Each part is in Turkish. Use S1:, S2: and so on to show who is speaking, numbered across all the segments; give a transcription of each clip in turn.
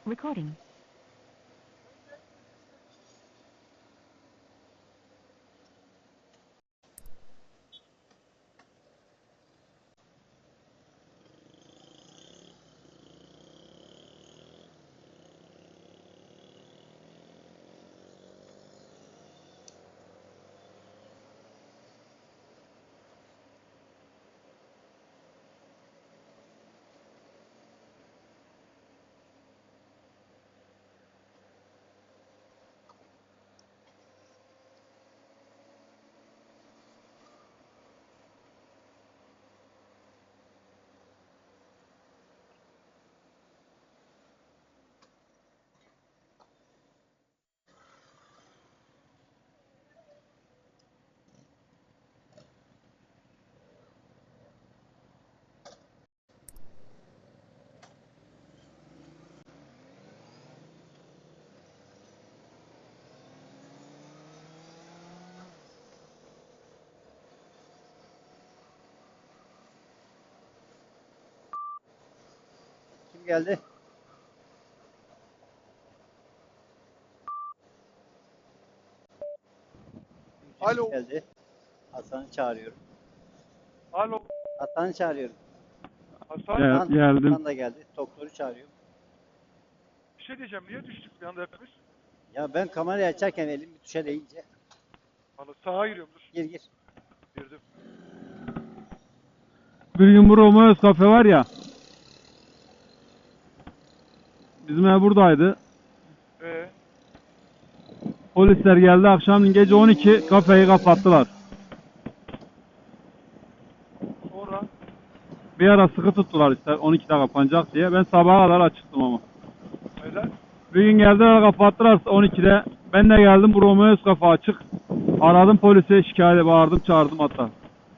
S1: Recording.
S2: Kim geldi?
S3: Alo.
S2: Geldi. Hasan'ı çağırıyorum.
S3: Alo.
S2: Hasan'ı çağırıyorum.
S3: Hasan.
S4: Geldim.
S2: Hasan da geldi. Doktoru çağırıyorum.
S3: Bir şey diyeceğim. Niye düştük bir anda hepimiz?
S2: Ya ben kamerayı açarken elim bir tuşa değince.
S3: Valla sağa giriyorum dur.
S2: Gir.
S3: Girdim.
S4: Bir gün bu Romeo's kafe var ya. Bizim ev buradaydı. Polisler geldi akşam gece 12 kafeyi kapattılar.
S3: Sonra
S4: Bir ara sıkı tuttular işte 12'de kapanacak diye. Ben sabaha kadar açıktım ama.
S3: neden?
S4: Bir gün geldiler kapattılar 12'de. Ben de geldim bu Romeo's kafe açık. Aradım polise şikayet bağırdım çağırdım hatta.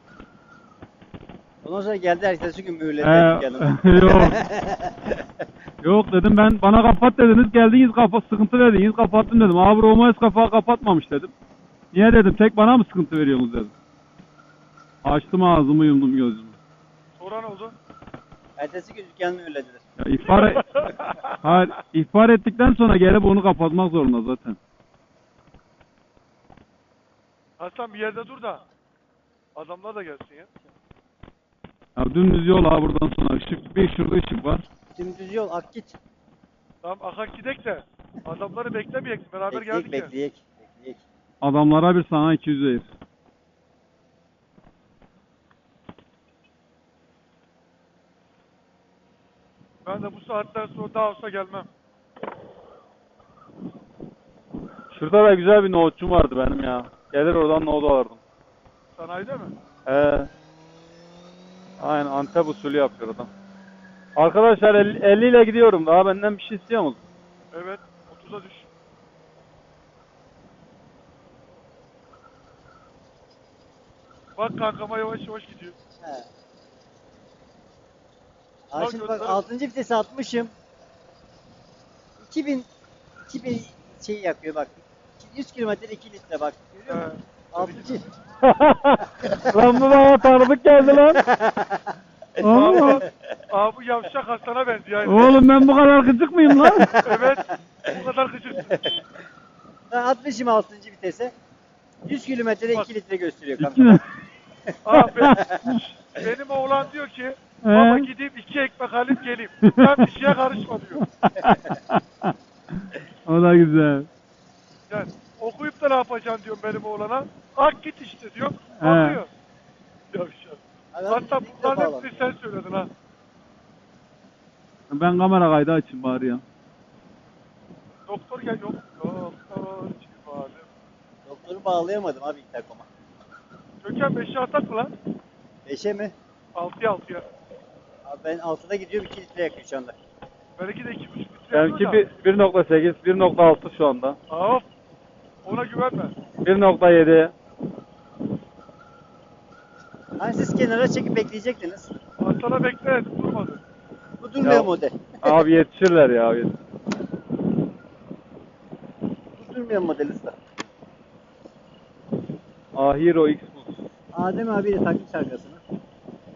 S2: Ondan sonra geldi ertesi gün mühürledi dükkanımı.
S4: Yok. Yok dedim bana kapat dediniz geldiniz sıkıntı dediniz kapattım dedim. Abi Romeo's kafa kapatmamış dedim. Niye dedim tek bana mı sıkıntı veriyorsunuz dedim. Açtım ağzımı yumdum gözümü.
S3: Sonra ne oldu?
S2: Ertesi gün dükkanı mühürlediler.
S4: Ya hayır, ihbar ettikten sonra gelip onu kapatmak zorunda zaten.
S3: Hasan bir yerde dur da. Adamlar da gelsin ya.
S4: Ya dümdüz yol abi buradan sonra ışık bir şurada ışık var.
S2: Dümdüz yol ak git.
S3: Tamam akak gidek de. Adamları beklemeyek. Beraber geldik ya.
S2: Bekleyek.
S4: Adamlara bir sana 200 verir.
S3: Ben de bu saatten sonra daha olsa gelmem.
S4: Şurada da güzel bir nohutçum vardı benim ya. Gelir oradan nohut alırdım.
S3: Sanayide mi?
S4: Aynen Antep usulü yapıyor adam. Arkadaşlar 50 ile gidiyorum. Daha benden bir şey istiyor musun?
S3: Evet. 30'a düş. Bak kankama yavaş yavaş gidiyor.
S2: He.
S3: Bak
S2: Şimdi bak
S3: göster.
S2: 6. vitesi atmışım. 2000 şey yakıyor bak. 100 kilometre 2 litre bak. Görüyor musun? 6.
S4: Lan bu bana tanıdık geldi lan.
S3: Abi bu yavşak Hasan'a benziyor. Yani.
S4: Oğlum ben bu kadar gıcık mıyım lan?
S3: Evet. Bu kadar gıcıksın.
S2: Ben atmışım 6. vitese. 100 kilometrede
S3: Bak.
S2: 2 litre gösteriyor kanka.
S3: Abi benim oğlan diyor ki baba gideyim 2 ekmek alayım geleyim. Ben bir şeye karışma diyor.
S4: O da güzel.
S3: Yani okuyup da ne yapacaksın diyorum benim oğlana. Ak git işte diyor. Anlıyor. Yavşak. Hatta bunların hepsini sen söyledin ha.
S4: Ben kamera kaydı açayım bari ya.
S3: Doktor gel yok. Doktor civalim.
S2: Doktoru bağlayamadım abi interkoma.
S3: Gökhan 5'e atak mı lan?
S2: 5'e mi?
S3: 6'ya.
S2: Abi ben 6'da gidiyorum 2 litre yakıyor şu anda.
S3: Belki de 2,5 litre
S4: Benimki
S3: yapıyor da.
S4: 1.8, 1.6 şu anda.
S3: Of. Ona güvenme.
S4: 1.7.
S2: Hani siz kenara çekip bekleyecektiniz.
S3: Hasan'a bekle durmadı.
S2: Bu durmuyor model.
S4: Abi yetişirler ya.
S2: Bu durmuyor model usta.
S4: Ahiro X Plus.
S2: Adem abiyle takmış arkasına.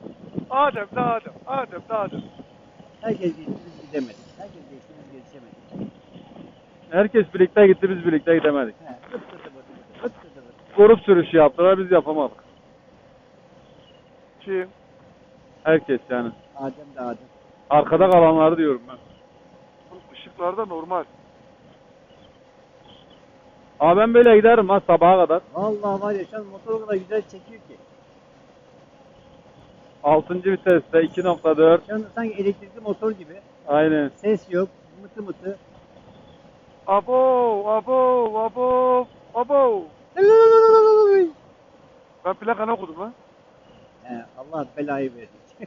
S3: Adem de Adem.
S2: Herkes geçti biz gidemedik. Herkes geçti biz geçemedik.
S4: Herkes birlikte gitti, biz birlikte gidemedik.
S2: He, vıt vıtı vıtı vıt, vıt vıtı vıtı.
S4: Grup sürüşü yaptılar, biz yapamadık.
S3: Kim?
S4: Herkes yani.
S2: Adem de Adem.
S4: Arkada kalanları diyorum ben.
S3: Işıklarda normal.
S4: Abi ben böyle giderim ha sabaha kadar.
S2: Vallahi var ya şu an motor o kadar güzel çekiyor ki.
S4: 6. viteste 2.4.
S2: Şu anda sanki elektrikli motor gibi.
S4: Aynen.
S2: Ses yok. Mıtı mıtı.
S3: Abo, abo, abo, abo. Ben plakanı okudum lan.
S2: He, Allah belayı versin.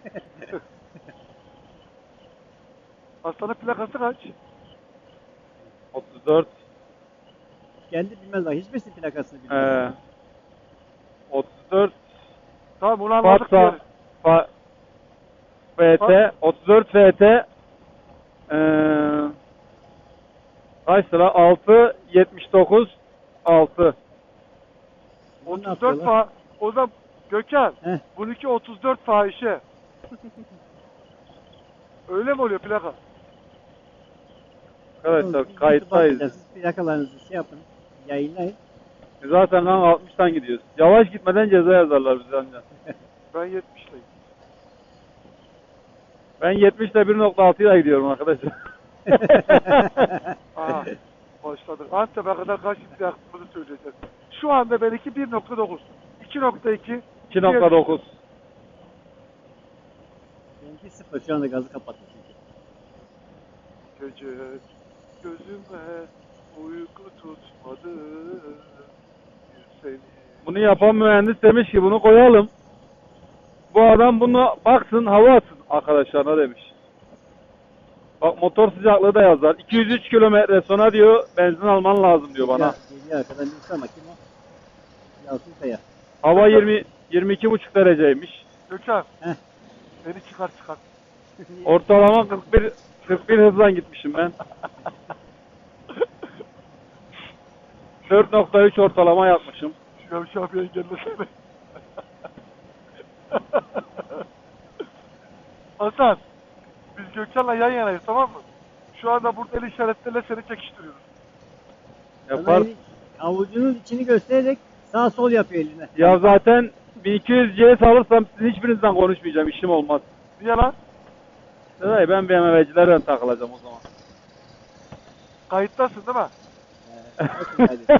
S3: Hastanın plakası kaç?
S4: 34.
S2: Kendi bilmez bak. Hiçbirisi plakasını bilmez.
S4: 34.
S3: Tamam bunu anladık
S4: Fatsa.
S3: diyelim.
S4: FT. 34 FT. Kaç sıra? 6. 79. 6.
S2: Bunu ne
S3: 34
S2: yapıyorlar?
S3: o zaman Gökhan,
S2: Heh.
S3: bununki 34 fahişe. Öyle mi oluyor plaka?
S4: Arkadaşlar
S2: Siz
S4: kayıttayız.
S2: Siz plakalarınızı şey yapın. Yayınlayın.
S4: Zaten lan 60'tan gidiyoruz. Yavaş gitmeden ceza yazarlar bize ancak.
S3: Ben 70'teyim.
S4: Ben 70 ile 1.6 ile gidiyorum arkadaşlar.
S3: Aha, başladık. Antep'e kadar kaç litre yaktığımızı söyleyeceğiz. Şu anda benimki 1.9. 2.2.
S4: 2.9.
S2: Benimki 0. Şu anda gazı kapattı çünkü.
S3: Gece gözüme uyku tutmadı. Seni.
S4: Bunu yapan mühendis demiş ki bunu koyalım. Bu adam bunu baksın hava atsın arkadaşlarına demiş. Bak motor sıcaklığı da yazar. 203 kilometre sonra diyor benzin alman lazım diyor bana.
S2: Geliyor arkadan birisi ama kim o? Yalçın Kaya.
S4: Hava 22,5 dereceymiş.
S3: Gökhan.
S2: Heh.
S3: Beni çıkar.
S4: Ortalama 41 hızla gitmişim ben. 4.3 ortalama yapmışım.
S3: Şu abi engellesene. Hasan, biz Gökhan'la yan yanayız, tamam mı? Şu anda burada el işaretleriyle seni çekiştiriyoruz.
S4: Yapar.
S2: Avucunun içini göstererek sağ sol yapıyor eline.
S4: Ya zaten 1200 CS alırsam sizin hiçbirinizden konuşmayacağım. İşim olmaz.
S3: Niye lan?
S4: Seday ben BMW'cilerden takılacağım o zaman.
S3: Kayıttasın değil mi?
S2: Hadi.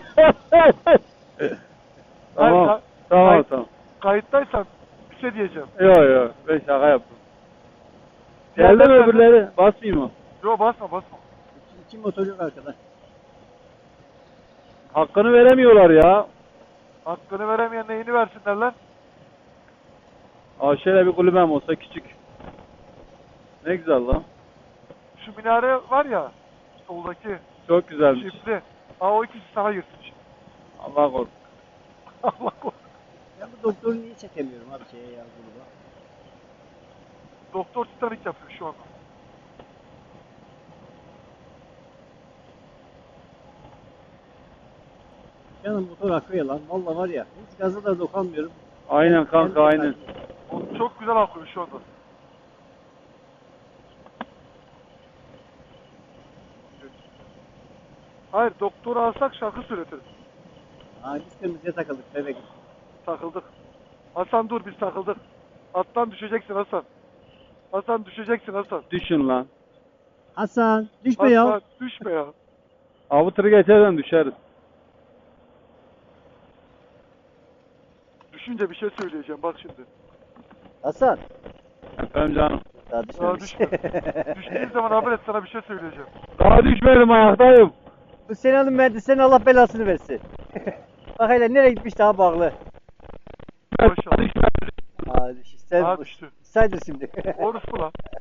S4: Tamam.
S3: Hayır,
S4: Tamam tamam.
S3: Kayıttaysan bir şey diyeceğim.
S4: Yo ben şaka yaptım. Geldi mi öbürleri? Basmayayım mı?
S3: Yo basma.
S2: İki motor yok arkada.
S4: Hakkını veremiyorlar ya.
S3: Hakkını veremeyen neyini versinler lan?
S4: Aa şöyle bir kulübem olsa küçük. Ne güzel lan.
S3: Şu minare var ya, soldaki
S4: Çok güzelmiş.
S3: çiftli. O ikisi sana girsin şimdi.
S4: Allah korusun.
S3: Allah korusun.
S2: Ben bu doktoru niye çekemiyorum abi şeye ya gruba.
S3: Doktor Titanic yapıyor şu anda.
S2: Canım motor akıyor lan. Valla var ya. Hiç gaza da dokunmuyorum.
S4: Aynen kanka aynen.
S3: O çok güzel akıyor şu anda. Hayır, doktoru alsak şarkı söyletiriz.
S2: Biz kırmızıya takıldık bebek.
S3: Takıldık. Hasan dur, biz takıldık. Attan düşeceksin Hasan. Hasan düşeceksin Hasan.
S4: Düşün lan.
S2: Hasan düşme ya.
S3: Hasan düşme ya.
S4: Avı tırı geçerden düşeriz.
S3: Düşünce bir şey söyleyeceğim bak şimdi.
S2: Hasan.
S4: Efendim canım.
S2: Daha
S3: Daha
S2: düşmemiş.
S3: düşme. Düştüğün zaman haber et, sana bir şey söyleyeceğim.
S4: Daha düşmedim ayaktayım.
S2: Bu Sena'nın mühendislerinin Allah belasını versin. Bak hele nereye gitmiş daha bağlı.
S3: Maşallah.
S2: Sen
S3: Daha düştü.
S2: saydır şimdi.
S3: Orası lan.